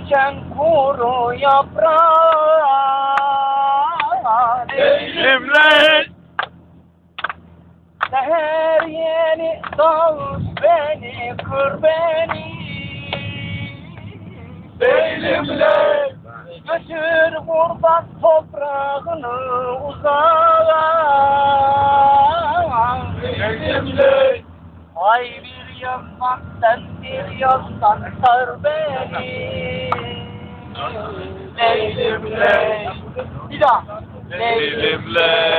diken kuru yaprağı. Leylimler. Seher yeni dağ beni, kır beni. Leylimler. Götür kurban toprağını uzağa. Leylimler. Ay bir yandan sen bir yandan sar beni. Leylimler. Bir daha. Leylimler.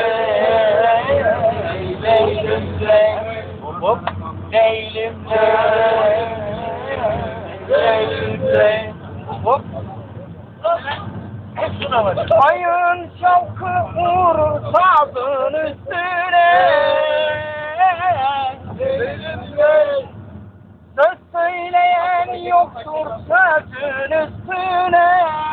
Leylimler. Hop. Leylimler. Leylimler. Hop. Hepsine var. Ayın şavkı vurur sazın üstüne. Söz söyleyen yoktur sözün üstüne.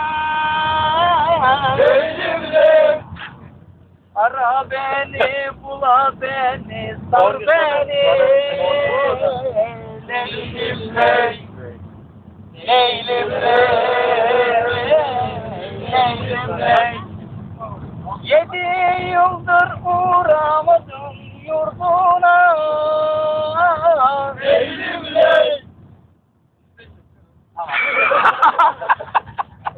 Ara beni, bula beni, sar beni. Leylim ley, leylim ley.